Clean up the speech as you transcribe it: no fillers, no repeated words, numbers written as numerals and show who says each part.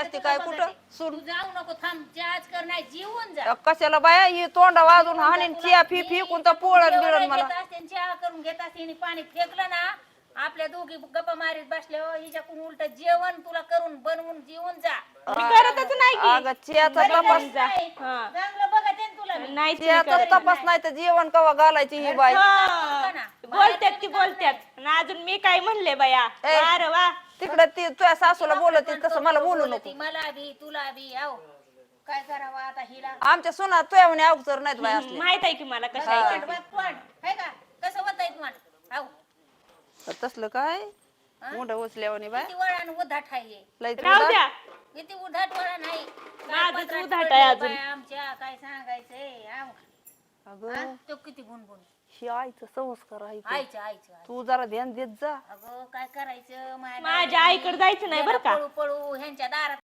Speaker 1: करते काय कुठं
Speaker 2: तू जाऊ नको थांब आज कर नाही जीवन जा
Speaker 1: कशाला बाया ही तोंडा वाजून हाणीन चिया फी फेकून तर पोळण बिळण मला
Speaker 2: चहा करून घेत असते पाणी फेकलं ना आपल्या दोघी गप्पा मारीत बसले हिच्याकडून उलट जेवण तुला करून बनवून जेवून जा
Speaker 3: मी करतच नाही की
Speaker 1: अगं चियाचा तपास
Speaker 3: हा.
Speaker 2: चांगलं बघा ते तुला मी.
Speaker 3: नाही तुम्ही
Speaker 1: चियाचा
Speaker 3: करत.
Speaker 1: तपास नाही तर जेवण कवा घालायची ही बाई
Speaker 3: हा. बोलत्यात ती बोलत्यात आणि अजून मी काय म्हणले बाया
Speaker 1: ए.
Speaker 3: अरे वा
Speaker 1: तिकडे ती तुझ्या सासूला बोलत तसं मला बोलू नको
Speaker 2: मला बी तुला बी आहो काय करावं आता हिला
Speaker 1: आमच्या सुना तुझ्या म्हणे अवसर नाहीत बाई असले
Speaker 3: माहित आहे की मला कशा आहे ते.
Speaker 2: है का कसं होत तुम्हाला आहो
Speaker 1: तर तसलं काय मुंड उचल्यावानी बाय
Speaker 2: किती वळण उधाट आहे
Speaker 1: लय
Speaker 3: राहू द्या
Speaker 2: किती उधाट वळण आहे
Speaker 3: माझंच
Speaker 2: पत्रात
Speaker 3: उधाट
Speaker 2: पडलंय
Speaker 3: आहे अजून.
Speaker 2: बाया आमच्या काय सांगायचंय आहो.
Speaker 1: अगं
Speaker 2: हा? तो किती गुणगुण
Speaker 1: ही आईचं संस्कार आहे ते.
Speaker 2: आईचं
Speaker 1: तू जरा ध्यान देत जा
Speaker 2: अगं काय करायचं
Speaker 3: माझ्या आईकडे जायचं नाही बरं का
Speaker 2: पळू पळू ह्यांच्या दारात